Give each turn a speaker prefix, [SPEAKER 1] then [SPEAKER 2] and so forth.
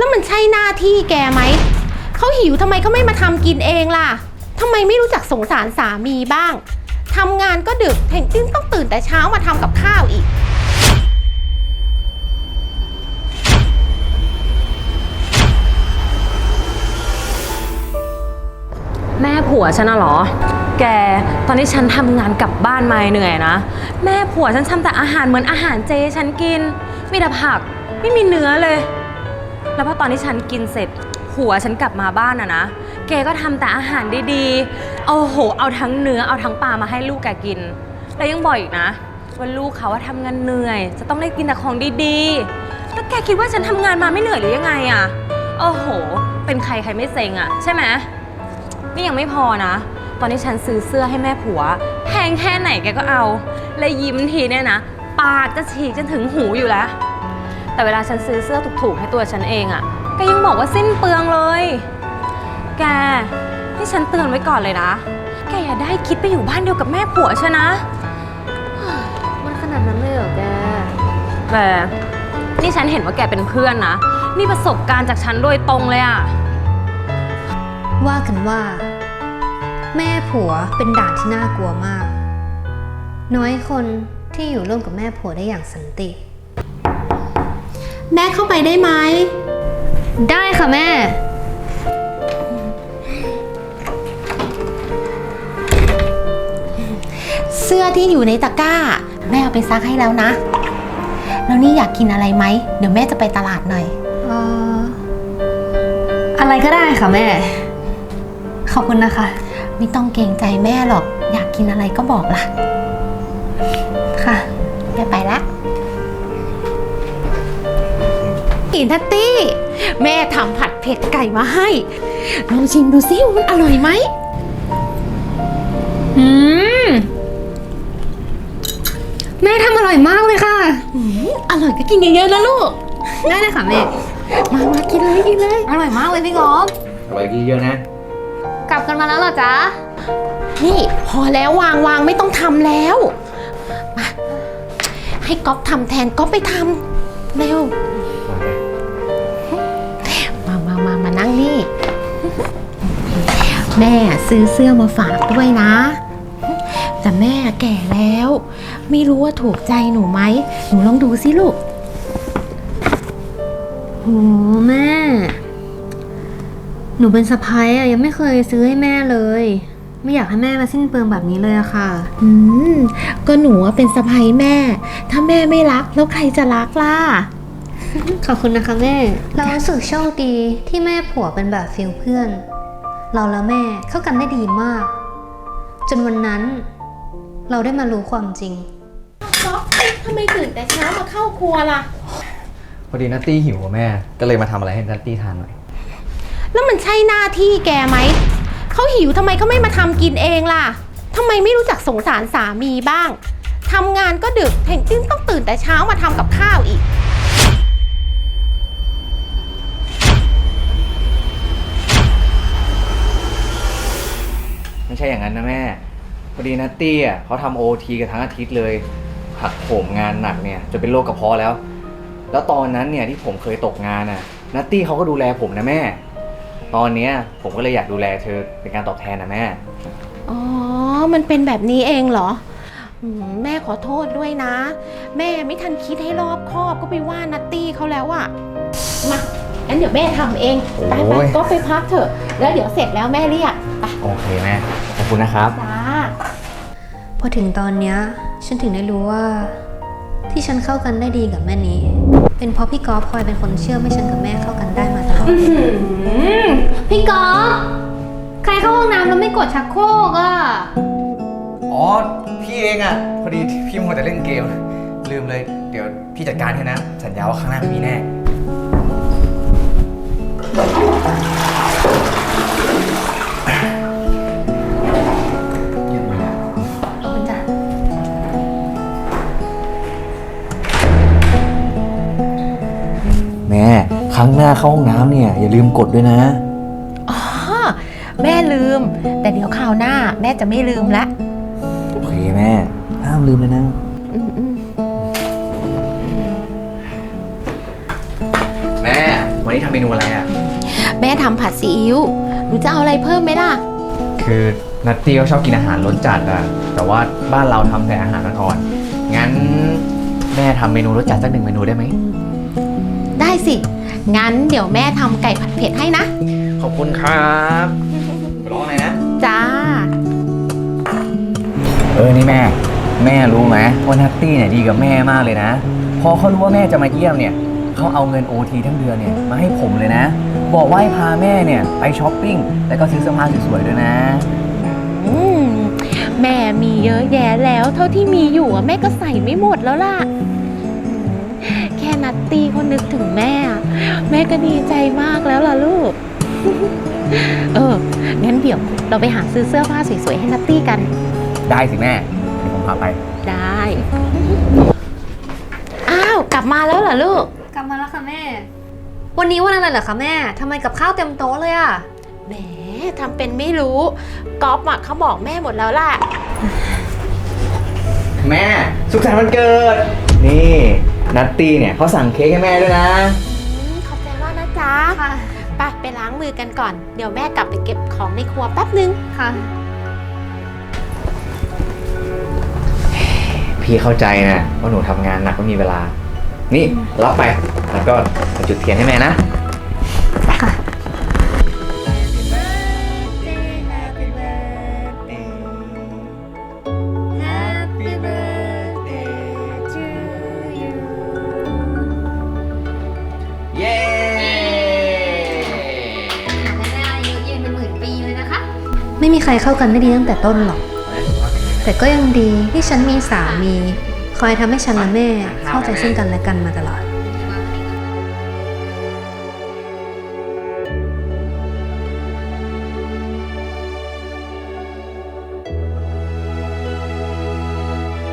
[SPEAKER 1] แล้วมันใช่หน้าที่แกไหมเขาหิวทำไมเขาไม่มาทำกินเองล่ะทำไมไม่รู้จักสงสารสามีบ้างทำงานก็ดึกแถมยังต้องตื่นแต่เช้ามาทำกับข้าวอีก
[SPEAKER 2] แม่ผัวฉันน่ะเหรอแกตอนที่ฉันทำงานกลับบ้านมาเหนื่อยนะแม่ผัวฉันทำแต่อาหารเหมือนอาหารเจฉันกินมีแต่ผักไม่มีเนื้อเลยแล้วพอตอนที่ฉันกินเสร็จผัวฉันกลับมาบ้านนะแกก็ทำแต่อาหารดีๆโอ้โหเอาทั้งเนื้อเอาทั้งปลามาให้ลูกแกกินแล้วยังบอกอีกนะว่าลูกเขาว่าทำงานเหนื่อยจะต้องได้กินแต่ของดีๆแล้วแกคิดว่าฉันทำงานมาไม่เหนื่อยหรือยังไงอะโอ้โหเป็นใครไม่เซ็งอะใช่ไหมนี่ยังไม่พอนะตอนที่ฉันซื้อเสื้อให้แม่ผัวแพงแค่ไหนแกก็เอาและยิ้มทีเนี่ยนะปากจะฉีกจนถึงหูอยู่แล้วแต่เวลาฉันซื้อเสื้อถูกๆให้ตัวฉันเองอะแกยังบอกว่าสิ้นเปลืองเลยแกที่ฉันเตือนไว้ก่อนเลยนะแกอย่าได้คิดไปอยู่บ้านเดียวกับแม่ผัวใช่นะ
[SPEAKER 3] มันขนาดนั้นเลยเหรอแก
[SPEAKER 2] แต่นี่ฉันเห็นว่าแกเป็นเพื่อนนะนี่ประสบการณ์จากฉันโดยตรงเลยอะ
[SPEAKER 3] ว่ากันว่าแม่ผัวเป็นด่านที่น่ากลัวมากน้อยคนที่อยู่ร่วมกับแม่ผัวได้อย่างสันติ
[SPEAKER 1] แม่เข้าไปได้ไหม
[SPEAKER 3] ได้ค่ะแม่
[SPEAKER 1] เสื้อที่อยู่ในตะกร้าแม่เอาไปซักให้แล้วนะแล้วนี่อยากกินอะไรไหมเดี๋ยวแม่จะไปตลาดหน่อย
[SPEAKER 3] อะไรก็ได้ค่ะแม่ขอบคุณนะคะ
[SPEAKER 1] ไม่ต้องเกรงใจแม่หรอกอยากกินอะไรก็บอกล่ะ
[SPEAKER 3] ค่ะ
[SPEAKER 1] แม่ไปละอินทัตตี้แม่ทำผัดเผ็ดไก่มาให้ลองชิมดูซิว่ามันอร่อยไหม
[SPEAKER 3] แม่ทำอร่อยมากเลยค่ะ
[SPEAKER 1] อร่อยก็กินเยอะๆนะลูก
[SPEAKER 3] ได้เลยค่ะแม่
[SPEAKER 1] มากินเลย
[SPEAKER 3] อร่อยมากเลยพี่กบ
[SPEAKER 4] อร่อยกินเยอะนะ
[SPEAKER 3] กลับกันมาแล้วเหรอจ๊ะ
[SPEAKER 1] นี่พอแล้ววางไม่ต้องทำแล้วมาให้ก๊อฟทำแทนก๊อฟไปทำเร็วมานั่งนี่แม่ซื้อเสื้อมาฝากด้วยนะแต่แม่แก่แล้วไม่รู้ว่าถูกใจหนูไหมหนูลองดูสิลูก
[SPEAKER 3] โหแม่หนูเป็นสะใภ้อะยังไม่เคยซื้อให้แม่เลยไม่อยากให้แม่มาสิ้นเปลืองแบบนี้เลยอะค่ะ
[SPEAKER 1] ก็หนูเป็นสะใภ้แม่ถ้าแม่ไม่รักแล้วใครจะรักล่ะ
[SPEAKER 3] ขอบคุณนะคะแม่เรารู้สึกโชคดีที่แม่ผัวเป็นแบบฟิลเพื่อนเราและแม่เข้ากันได้ดีมากจนวันนั้นเราได้มารู้ความจริง
[SPEAKER 1] ก๊อฟทำไมตื่นแต่เช้ามาเข้าครัวล่ะ
[SPEAKER 4] พอดีนัตตี้หิวแม่ก็เลยมาทำอะไรให้นัตตี้ทานหน่อย
[SPEAKER 1] แล้วมันใช่หน้าที่แกไหมเขาหิวทำไมเขาไม่มาทำกินเองล่ะทำไมไม่รู้จักสงสารสามีบ้างทำงานก็ดึกแถมยังต้องตื่นแต่เช้ามาทำกับข้าวอีก
[SPEAKER 4] ไม่ใช่อย่างนั้นนะแม่พอดีนัตตี้อ่ะเขาทำOTกันทั้งอาทิตย์เลยหักโหมงานหนักเนี่ยจนเป็นโรคกระเพาะแล้วตอนนั้นเนี่ยที่ผมเคยตกงานน่ะนัตตี้เขาก็ดูแลผมนะแม่ตอนนี้ผมก็เลยอยากดูแลเธอเป็นการตอบแทนนะแม่
[SPEAKER 1] อ๋อมันเป็นแบบนี้เองเหรอแม่ขอโทษด้วยนะแม่ไม่ทันคิดให้รอบคอบก็ไปว่านัตตี้เขาแล้วอะมางั้นเดี๋ยวแม่ทำเองไปก็ไปพักเถอะแล้วเดี๋ยวเสร็จแล้วแม่เรียกไป
[SPEAKER 4] โอเคแม่ขอบคุณนะครับ
[SPEAKER 1] จ้า
[SPEAKER 3] พอถึงตอนเนี้ยฉันถึงได้รู้ว่าที่ฉันเข้ากันได้ดีกับแม่นี้เป็นเพราะพี่กอล์ฟคอยเป็นคนเชื่อให้ฉันกับแม่เข้ากันได้มาตลอดพี่กอล์ฟใครเข้าห้องน้ำแล้วไม่กดชักโครกอ่ะ
[SPEAKER 4] อ๋อพี่เองอ่ะพอดีพี่มัวแต่เล่นเกมลืมเลยเดี๋ยวพี่จัดการให้นะสัญญาว่าข้างหน้าไม่มีแน่แม่ครั้งหน้าเข้าห้องน้ำเนี่ยอย่าลืมกดด้วยนะ
[SPEAKER 1] อ๋อแม่ลืมแต่เดี๋ยวคราวหน้าแม่จะไม่ลืมละ
[SPEAKER 4] โอเคแม่ห้ามลืมเลยนะแม่วันวันนี้ทำเมนูอะไรอ่ะ
[SPEAKER 1] แม่ทำผัดซีอิ๊วหนูจะเอาอะไรเพิ่มไหมล่ะ
[SPEAKER 4] คือนัตตี้เขาชอบกินอาหารรสจัดอะแต่ว่าบ้านเราทำแต่อาหารอ่อนๆงั้นแม่ทำเมนูรสจัดสัก1 เมนูได้ไหม
[SPEAKER 1] ได้สิ งั้นเดี๋ยวแม่ทำไก่ผัดเผ็ดให้นะ
[SPEAKER 4] ขอบคุณครับไปรออะไรนะ
[SPEAKER 1] จ้า
[SPEAKER 4] นี่แม่รู้ไหมว่านัตตี้เนี่ยดีกับแม่มากเลยนะ พอเขารู้ว่าแม่จะมาเยี่ยมเนี่ยเขาเอาเงิน OT ทั้งเดือนเนี่ยมาให้ผมเลยนะ บอกว่าให้พาแม่เนี่ยไปช้อปปิ้งแล้วก็ซื้อเสื้อผ้าสวยๆด้วยนะ
[SPEAKER 1] อืมแม่มีเยอะแยะแล้วเท่าที่มีอยู่อะแม่ก็ใส่ไม่หมดแล้วล่ะแค่นัตตี้เขานึกถึงแม่อะแม่ก็ดีใจมากแล้วล่ะลูก งั้นเดี๋ยวเราไปหาซื้อเสื้อผ้าสวยๆให้นัตตี้กัน
[SPEAKER 4] ได้สิแม่เดี๋ยวผมพาไป
[SPEAKER 1] ได้ อ้าวกลับมาแล้วเหรอลูก
[SPEAKER 3] กลับมาแล้วค่ะแม่ วันนี้วันอะไรเหรอคะแม่ทำไมกับข้าวเต็มโต๊ะเลยอะ
[SPEAKER 1] แหมทำเป็นไม่รู้ก๊อฟอะเขาบอกแม่หมดแล้วล่ะ
[SPEAKER 4] แม่สุขสันต์วันเกิด นี่นัตตี้เนี่ยเขาสั่งเค้กให้แม่ด้วยนะ
[SPEAKER 1] ขอบใจมากนะจ๊ะ
[SPEAKER 3] ค่ะ
[SPEAKER 1] ไปล้างมือกันก่อน เดี๋ยวแม่กลับไปเก็บของในครัวแป๊บนึง
[SPEAKER 3] ค่ะ
[SPEAKER 4] พี่เข้าใจนะว่าหนูทำงานหนักไม่มีเวลา นี่รับไปแล้วก็มาจุดเทียนให้แม่นะ
[SPEAKER 3] ค่ะ
[SPEAKER 4] เย้
[SPEAKER 3] ไม่มีใครเข้ากันได้ดีตั้งแต่ต้นหรอก แต่ก็ยังดีที่ฉันมีสามี คอยทำให้ฉันและแม่เข้าใจซึ่งกันและกันมาตลอด